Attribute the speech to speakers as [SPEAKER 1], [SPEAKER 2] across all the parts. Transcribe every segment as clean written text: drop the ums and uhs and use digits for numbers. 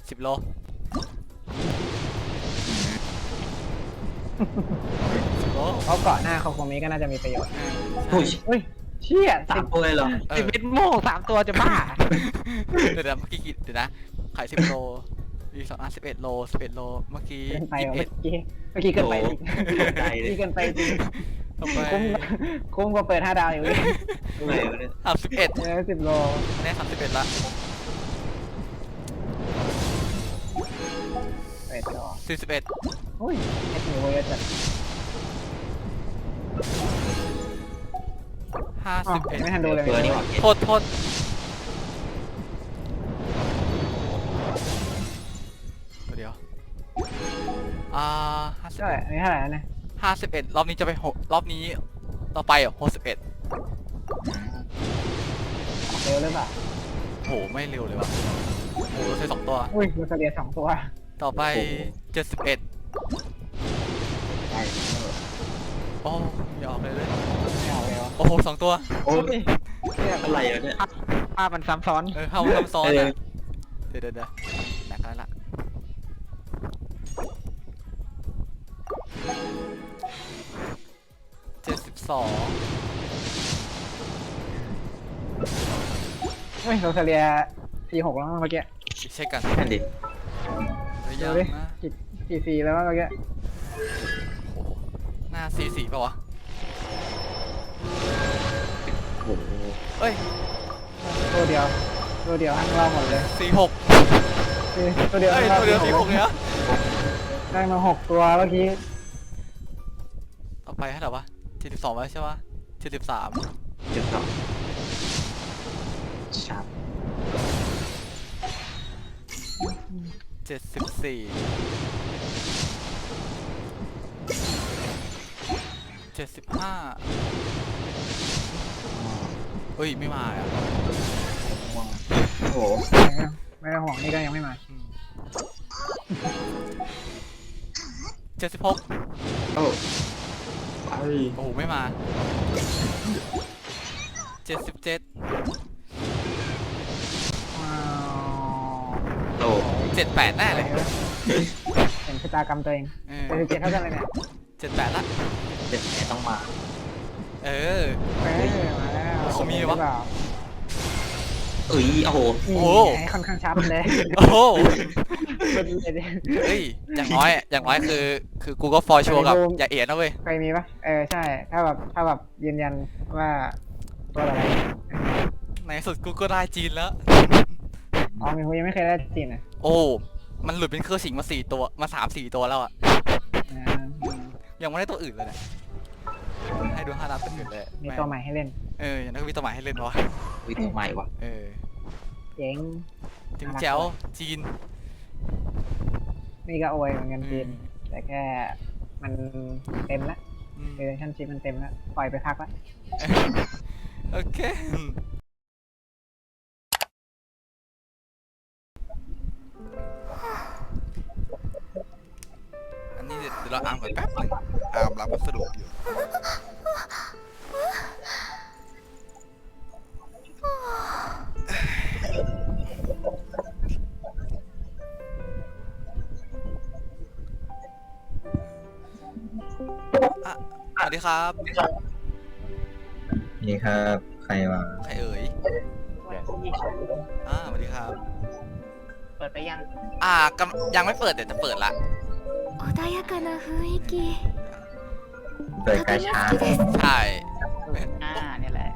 [SPEAKER 1] 10 โล10 โล
[SPEAKER 2] เพราะเกาะหน้าโคโคมิก็น่าจะมีประโยชน์
[SPEAKER 3] อุ้ย
[SPEAKER 2] เฮ้ยเชี่ย
[SPEAKER 3] 3 ตัวเลยเหรอ
[SPEAKER 2] 11 โมง3 ตัวจะบ้า
[SPEAKER 1] เดี๋ยวเมื่อกี้เดี๋ยวนะขาย10 โลมี11 โล11 โลเมื่อกี้
[SPEAKER 2] เกินไป
[SPEAKER 1] 21
[SPEAKER 2] เมื่อกี้เกินไปจริง
[SPEAKER 3] ใจเลย
[SPEAKER 2] นี่เกินไปจริง
[SPEAKER 1] ต่อไป
[SPEAKER 2] คุ้มกว่าเปิด5 ดาวอยู่เลย
[SPEAKER 3] ตรงไหนวะเนี่ย
[SPEAKER 1] 31
[SPEAKER 2] 10 โล
[SPEAKER 1] อันนี้31ละ
[SPEAKER 2] 11 โล
[SPEAKER 1] 41
[SPEAKER 2] อุ้ยเอ็ดมิวเยอะจัดไม่ทันดูเลย
[SPEAKER 3] ตัวนี้หว่า
[SPEAKER 1] โทษเดี๋ยว
[SPEAKER 2] เท่าไหร่อันนี้เท่าไหร่นะ
[SPEAKER 1] 51รอบนี้จะไปรอบนี้ต่อไป61
[SPEAKER 2] เร็วหรือเปล่า
[SPEAKER 1] โหไม่เร็วเลยว่ะโหเราใช้2 ตัว
[SPEAKER 2] อุ้ยลูกเรีย2 ตัว
[SPEAKER 1] ต่อไป71โอ้ยออกเลย
[SPEAKER 2] ไม่เอาเลยวะ
[SPEAKER 1] โอ้โห2 ตัว
[SPEAKER 3] โอ้ยอะไรวะเนี่ย
[SPEAKER 2] ภาพมันซ้ำซ้อน
[SPEAKER 1] เข้าซ้ำซ้อนอ่ะเดี๋ยวแหลกแล้วล่ะ72
[SPEAKER 2] เฮ้ยลูกเรีย46แล้วเมื่อกี้
[SPEAKER 1] เช็คกัน
[SPEAKER 3] นั่นดิ
[SPEAKER 1] ยั
[SPEAKER 2] ดู
[SPEAKER 1] ง
[SPEAKER 2] ดิ
[SPEAKER 1] นะ
[SPEAKER 2] 4แล้วเมื่อกี้
[SPEAKER 1] โอ้โหหน้า44ป่าวะ
[SPEAKER 3] โอ้โห
[SPEAKER 1] เอ้ย
[SPEAKER 2] ตัวเดียวทั้งเราหมดเลย
[SPEAKER 1] 46
[SPEAKER 2] ตัวเดียว
[SPEAKER 1] เอ้ย
[SPEAKER 2] ทั้งเรา
[SPEAKER 1] ตัวเดียว46เนี่ย
[SPEAKER 2] ได้มา6 ตัวเมื่อกี้
[SPEAKER 1] ต่อไปเท่าไหร่วะ72แล้วใช่ปะ73
[SPEAKER 3] 12ชาร์ป
[SPEAKER 1] 74 75เฮ้ยไม่มาอ่ะ
[SPEAKER 3] โอ้โห
[SPEAKER 2] ไม่ต้องห่วงนี่ก็ยังไม่มา
[SPEAKER 1] 76
[SPEAKER 3] โอ้ไป
[SPEAKER 1] โอ้โหไม่มา77
[SPEAKER 2] ว้าว
[SPEAKER 3] โอ้
[SPEAKER 1] 78แน่เลย
[SPEAKER 2] เห็นชะตากรรมตัวเอง
[SPEAKER 1] เออ
[SPEAKER 2] 77เท่ากันเลยเนี่ย
[SPEAKER 1] 78ละ
[SPEAKER 3] เจ็ดแผลต้องมา
[SPEAKER 1] เออ
[SPEAKER 2] มาแล้ว
[SPEAKER 1] เขามีวะ
[SPEAKER 3] เอ้ยโอ้โห
[SPEAKER 1] โอ้โห
[SPEAKER 2] ค่อนข้างชัดเลย
[SPEAKER 1] โอ้โหเฮ้ยอย่างน้อยคือกูก็ฟอร์ชัวร์กับอย่าเอียดนะเว้ย
[SPEAKER 2] เคยมีปะใช่ถ้าแบบยืนยันว่าตัวอะไร
[SPEAKER 1] ในสุดกูก็ได้จีนแล้ว
[SPEAKER 2] อ๋อมีคนยังไม่เคยได้จีนอ่ะ
[SPEAKER 1] โอ้มันหลุดเป็นเครือสิงมา4 ตัวมา3-4 ตัวแล้วอ่ะยังไม่ได้ตัวอื่นเลยเนี่ยให้ดู5 ดาวตัวอื่นเลย
[SPEAKER 2] มีตัวใหม่ให้เล่น
[SPEAKER 1] อย่างนั้นก็มีตัวใหม่ให้เล่นวะ
[SPEAKER 3] วิตัวใหม่ว่ะ
[SPEAKER 2] เจ๋ง
[SPEAKER 1] ถึงแจ๋วจีน
[SPEAKER 2] นี่ก็โอยเหมือนกันจีนแต่แค่มันเต็มละ
[SPEAKER 1] อืม
[SPEAKER 2] เรเลชั่นชิพมันเต็มละปล่อยไปพักละ
[SPEAKER 1] โอเคอันนี้เดี๋ยวเราอ่านก่อนแป๊บหนึงรับพัสดุอยู่สวัสดีครับ
[SPEAKER 3] นี่ครับใครวะ
[SPEAKER 1] ใครเอ่ยสวัสดีครับ
[SPEAKER 2] เปิดไปยัง
[SPEAKER 1] ยังไม่เปิดเดี๋ยวจะเปิดละ
[SPEAKER 4] 穏やかな雰囲気
[SPEAKER 3] เปิดกาชา
[SPEAKER 1] ใช่
[SPEAKER 2] เนี่ยแหละ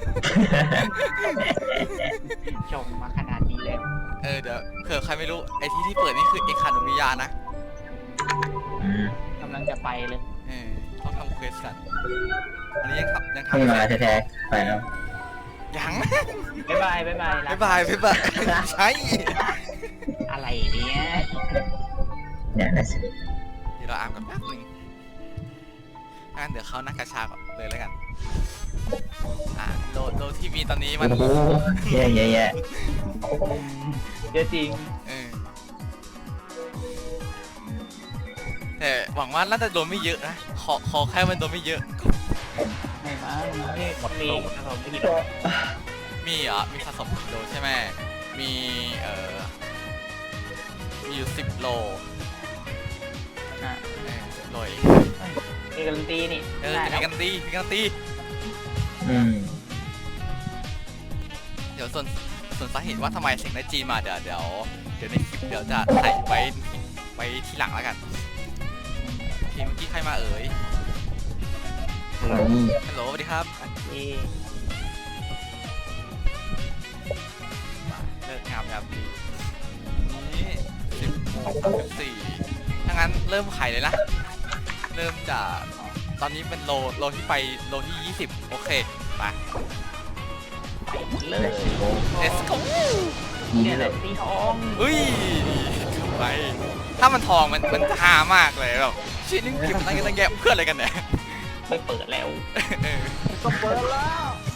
[SPEAKER 2] ชมมาขนาดนี้แล้ว
[SPEAKER 1] เดี๋ยวเผื่อใครไม่รู้ไอที่เปิดนี่คือเอคาโนมิยานะ
[SPEAKER 3] อืม
[SPEAKER 2] กำลังจะไปเลย
[SPEAKER 1] ต้องทำเควสกันอันนี้ยังทำ
[SPEAKER 3] เพิ่ง
[SPEAKER 1] ไม่
[SPEAKER 3] มา
[SPEAKER 1] เสร็จ
[SPEAKER 3] แท้ๆไปแล้ว
[SPEAKER 1] ยัง
[SPEAKER 2] บ๊ายบาย
[SPEAKER 1] บ๊ายบายใช่
[SPEAKER 2] อะไรเนี่ย
[SPEAKER 3] เนี่ยนะสิ
[SPEAKER 1] เดี๋ยวเราอ่านกันแป๊บนึงงั้นเดี๋ยวเขานั่งกระชาก่อนเลยแล้วกันโลที่มีตอนนี้มัน
[SPEAKER 3] โอ้โหแย่แย่แย่
[SPEAKER 2] เยอะจริง
[SPEAKER 1] แต่หวังว่าน่าจะโดนไม่เยอะนะขอแค่มันโดนไม่เยอะ
[SPEAKER 2] ไม่มาไม่หมดมีครับผมไม่กี่
[SPEAKER 1] มีสะสมกิโลใช่ไหมมีมีอยู่10 โล
[SPEAKER 5] อ่ะ
[SPEAKER 1] 10 โลเอง
[SPEAKER 5] มีการันตีนี่
[SPEAKER 1] จะ
[SPEAKER 5] ได้
[SPEAKER 1] มี
[SPEAKER 5] แล้ว
[SPEAKER 1] กันตีมีกันตี
[SPEAKER 3] อืม
[SPEAKER 1] เดี๋ยวส่วนสาเหตุว่าทำไมเสียงได้จีนมาเดี๋ยวในคลิปเดี๋ยวจะใส่ไว้ทีหลังแล้วกันทีเมื่อกี้ใครมาเอ่ย
[SPEAKER 3] นี่
[SPEAKER 1] ฮัลโหลสวัสดีครับ
[SPEAKER 5] ที่
[SPEAKER 1] เลิกงามยามดีนี่10:14ถ้างั้นเริ่มไขเลยนะ เริ่มจากตอนนี้เป็นโลที่ไปโลที่ 20 โอเค ไป
[SPEAKER 5] เล
[SPEAKER 3] เล
[SPEAKER 5] ย
[SPEAKER 3] สโก้
[SPEAKER 1] let's go
[SPEAKER 3] นี่
[SPEAKER 5] เนี่ยแห
[SPEAKER 3] เล
[SPEAKER 5] ละ
[SPEAKER 3] ย
[SPEAKER 5] สีทอง
[SPEAKER 1] เฮ้ยไป ถ้ามันทองมันฮามากเลยแบบชิ้นนึงเก็บตั้งแยะเพื่ออะไรกันเนี่ย
[SPEAKER 5] ไม่เปิดแล้ว
[SPEAKER 1] เออ
[SPEAKER 2] ก็เปิดแล้ว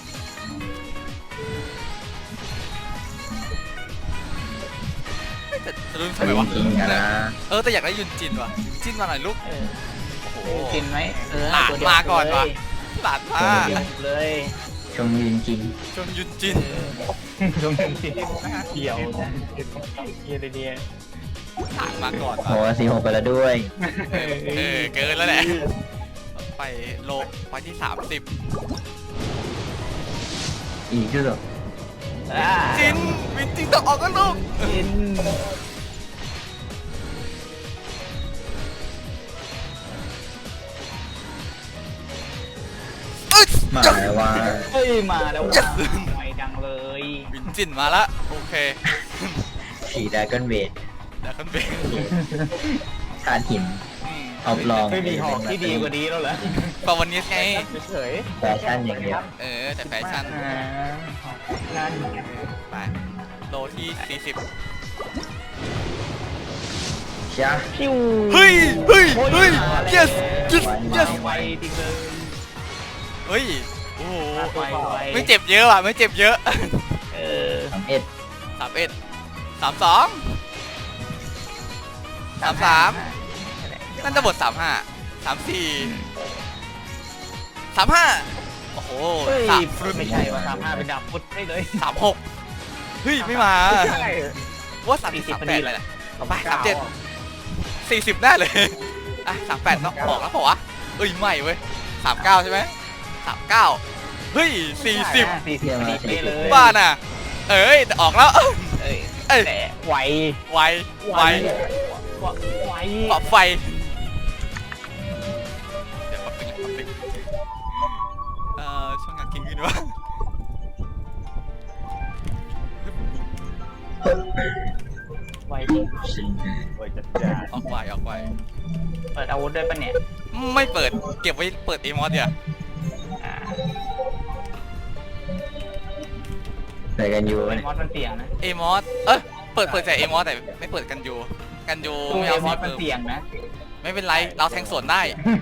[SPEAKER 1] แต่จะรู้
[SPEAKER 3] ไป
[SPEAKER 1] ทำไมวะ
[SPEAKER 3] จริงๆกันนะ
[SPEAKER 1] แต่อยากได้ยุนจินว่ะยุนจินมาหน่อยลูก
[SPEAKER 5] เออ
[SPEAKER 1] โอ้โห
[SPEAKER 5] กินไหมเออ
[SPEAKER 1] หลาน
[SPEAKER 5] ตัวเดียว
[SPEAKER 1] มาก่อนว่ะ
[SPEAKER 5] เลย
[SPEAKER 1] หลานมา
[SPEAKER 5] ตัวเดียวเลย
[SPEAKER 3] ชมยืนจริง
[SPEAKER 1] จนยุนจิน
[SPEAKER 5] ตรงนี้เกี่ยวนะเกี่ยวเดียว
[SPEAKER 1] หลานมาก่อน
[SPEAKER 3] โอ้
[SPEAKER 1] ว่ะ
[SPEAKER 3] 46ไปแล้วด้วย
[SPEAKER 1] เกินแล้วแหละไปโลไปที่ 30
[SPEAKER 3] อีกที่สุด
[SPEAKER 1] จินวินจินต้องออกกันลูก
[SPEAKER 5] กิน
[SPEAKER 1] เอ้ย
[SPEAKER 3] มาแล้วว่า
[SPEAKER 5] เฮ้ยมาแล้วว่ะไวดังเลย
[SPEAKER 1] วินจินมาละโอเค
[SPEAKER 3] สีดาก้อนเวท
[SPEAKER 1] เดี๋ยวขึ้นไป
[SPEAKER 3] ธาตุหิน เอาปลอม
[SPEAKER 5] ไม่มีหอกที่ดีกว่านี้แล้วเหรอ
[SPEAKER 1] ตอนวันนี้ไง
[SPEAKER 2] เฉย
[SPEAKER 3] แฟชั่นอย่างเดียว
[SPEAKER 1] แต่แฟชั่น
[SPEAKER 5] นั่น
[SPEAKER 1] ไปโลที่ 40
[SPEAKER 3] จ้า
[SPEAKER 5] พิว
[SPEAKER 1] เฮ้ย yes yes yes
[SPEAKER 5] ไวจริงเลย
[SPEAKER 1] เฮ้ย โอ้โห
[SPEAKER 5] ไว
[SPEAKER 1] ไม่เจ็บเยอะว่ะ ไม่เจ็บเยอะ
[SPEAKER 5] เออ
[SPEAKER 3] 31
[SPEAKER 1] 31 32 33นั่นจะบท35 34 35 โอ้โห
[SPEAKER 5] เฮ้ย
[SPEAKER 1] ฟรุต
[SPEAKER 5] ไม่ใช่ว่า35เป็นดาบพุทธได้เลย
[SPEAKER 1] 36 เฮ้ย ไม่มา
[SPEAKER 2] ใช่
[SPEAKER 1] ว่า30
[SPEAKER 5] 40
[SPEAKER 1] 38อะไรนะไป37 40ได้เลยอ่ะ38ต้องออกแล้วเปล่าวะเอ้ยไม่เว้ย39ใช่ไหม39เฮ้ย40
[SPEAKER 5] 40ได้เลย
[SPEAKER 1] บ้าน่ะเอ้ยแต่ออกแล้ว
[SPEAKER 5] เอ้ย
[SPEAKER 1] เอ้ย
[SPEAKER 5] แต่ไว
[SPEAKER 1] ไว
[SPEAKER 5] ไว
[SPEAKER 1] ปรับไฟเดี๋ยวแป๊บนึงช่องงานกินขึ้นวะ
[SPEAKER 5] ไวจริง
[SPEAKER 2] โอ้ยจัดจ้าน
[SPEAKER 1] ออกไว
[SPEAKER 5] เปิดอาวุธด้วยปะเนี่ย
[SPEAKER 1] ไม่เปิดเก็บไว้เปิดเอมอสเดี๋ยว
[SPEAKER 5] อ่า
[SPEAKER 3] ใส่กันอยู่
[SPEAKER 5] เป็น
[SPEAKER 3] เนี่ย
[SPEAKER 5] มอสมันเสี่ยงนะ
[SPEAKER 1] เอมอสเปิดแต่เอมอสแต่ไม่เปิดกันยูไม่
[SPEAKER 5] เอ
[SPEAKER 1] เอา
[SPEAKER 5] มอ
[SPEAKER 1] สี
[SPEAKER 5] สมัน
[SPEAKER 1] เพิ่ม
[SPEAKER 5] เสี่ยงนะ
[SPEAKER 1] ไม่เป็นไรเราแทงสวนได้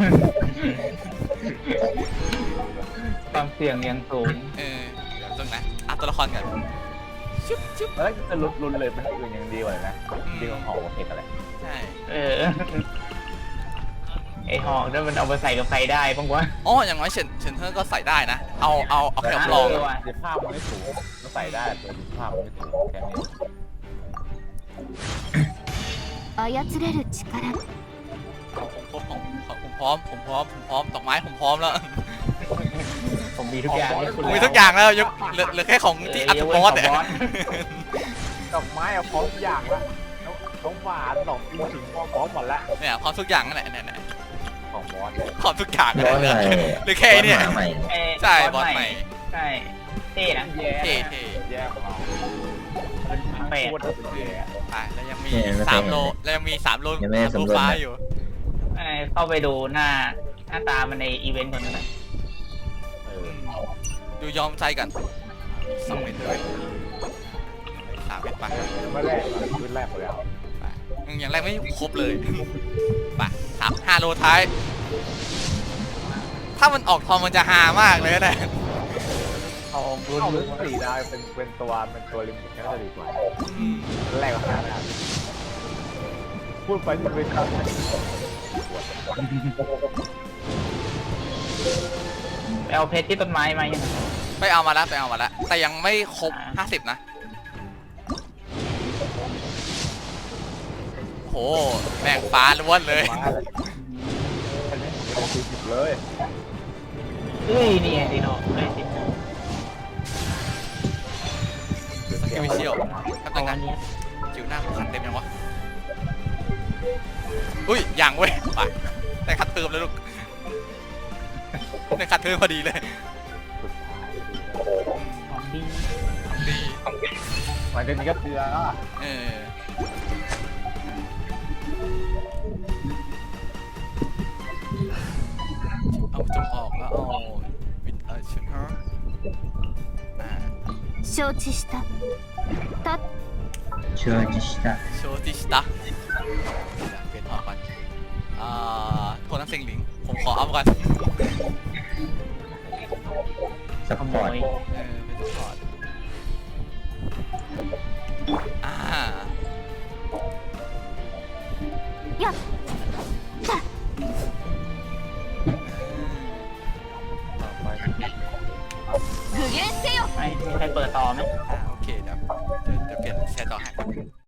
[SPEAKER 5] ความเสี่ยงยังสูง
[SPEAKER 1] เดี๋ยวตรงนะตัวละครก่อนชึบชึบ
[SPEAKER 2] แล้วจะลุ้นเลยเป็นอื่นยังดีกว่านะดีกว่าหอกเห็ดอะไร
[SPEAKER 1] ใช่
[SPEAKER 5] เออไอหอกนั่นมันเอาไปใส่กับใครได้บ้างวะ
[SPEAKER 1] อ๋ออย่างน้อยเฉินเธอก็ใส่ได้นะเอาแค่ลอง
[SPEAKER 5] ว่ะ
[SPEAKER 2] สิภาพมันไม่สูงก็ใส่ได้แต่สิภาพมันไม่สูงแค่นี้
[SPEAKER 4] 操れる力
[SPEAKER 1] ผมพร้อมดอกไม้ผมพร้อมแล้ว
[SPEAKER 5] ผมมีทุกอย่างให้คุณ
[SPEAKER 1] มีทุกอย่างแล้วยกเหลือแค่ของที่อัตบอสเนี่ย
[SPEAKER 2] ดอกไม้เอาพร้อมทุกอย่างละน้องหวานดอกปีถึงพร้อมหมดละ
[SPEAKER 1] เนี่ยพร้อมทุกอย่างนั่นแหละเนี่ย
[SPEAKER 2] ของบอส
[SPEAKER 1] พร้อมทุกอย่าง
[SPEAKER 3] บ
[SPEAKER 1] เล
[SPEAKER 3] อส
[SPEAKER 1] ย
[SPEAKER 3] ใหม่
[SPEAKER 1] หรือแค่เนี่ย
[SPEAKER 3] บอสหมาใหม่
[SPEAKER 1] ใช่บอสใหม่
[SPEAKER 5] ใช่เท่นะ
[SPEAKER 2] แย่
[SPEAKER 1] เท่
[SPEAKER 2] แย่ของเรา
[SPEAKER 5] แปด
[SPEAKER 2] พูดถึงแย่
[SPEAKER 1] ไปแล้วยังมี3 โลแล้วยังมี3 โลฟ้าอยู่
[SPEAKER 5] เข้าไปดูหน้าตามันในอีเวนต์คนนั้น
[SPEAKER 1] ดูยอมใจกัน2 เม็ดเลย3 เม็ดไป
[SPEAKER 2] ไม่แรกขึ้นแรกไปแล้ว
[SPEAKER 1] อย่างแรกไม่ครบเลยไป5 โลท้าย ถ้ามันออกทองมันจะฮามากเลยนะ
[SPEAKER 5] ทองรุ่น
[SPEAKER 2] เอา4ดาวเป็นตัวลิมิตก็จะดีกว่าแรกก็5ดาวพูดไปที่เป็นคำ
[SPEAKER 5] เอาเพชรที่ต้นไม้มายัง
[SPEAKER 1] ไปเอามาแล้วแต่ยังไม่ครบ50นะโหแม่งฟ้าล้วนเลย
[SPEAKER 2] มาเลยอันนี้ผม40เลย
[SPEAKER 5] เอ้ยนี่ไงดิโน่ไอ้ดิ
[SPEAKER 1] สกิลวิเชียลครับ
[SPEAKER 5] เอา
[SPEAKER 1] นึง
[SPEAKER 5] อั
[SPEAKER 1] นะ
[SPEAKER 5] นเนี้ย
[SPEAKER 1] จิ๋วหน้าขันเต็มยังวะอุ้ยยังเว้ยไปได้คัดเติมแล้วลูกได้คัดเติมพอดีเลย
[SPEAKER 2] สุดท้าย
[SPEAKER 5] ของดี
[SPEAKER 1] ดี
[SPEAKER 2] หลังจากนี้ก็เตือนแล้วอะ
[SPEAKER 1] เออเอาจงออกแล้วเอาวิดชุดฮะ
[SPEAKER 4] 承知したた
[SPEAKER 3] เชื่อจิชตะ
[SPEAKER 1] โชติสตาเปลี่ยนออกก่อนโทนัสเซิงหลิงผมขออัพก่อน
[SPEAKER 3] ส
[SPEAKER 5] ข
[SPEAKER 3] ป
[SPEAKER 5] โม
[SPEAKER 3] อร์ต
[SPEAKER 5] ย
[SPEAKER 1] เป็นสปอร์ต
[SPEAKER 4] やっ
[SPEAKER 2] ต่อไป
[SPEAKER 4] 具現せよ
[SPEAKER 5] ไอ้มีใครเปิดต่อไหม
[SPEAKER 1] โอเคเดี๋ยวเปลี่ยนแชร์ต่อให้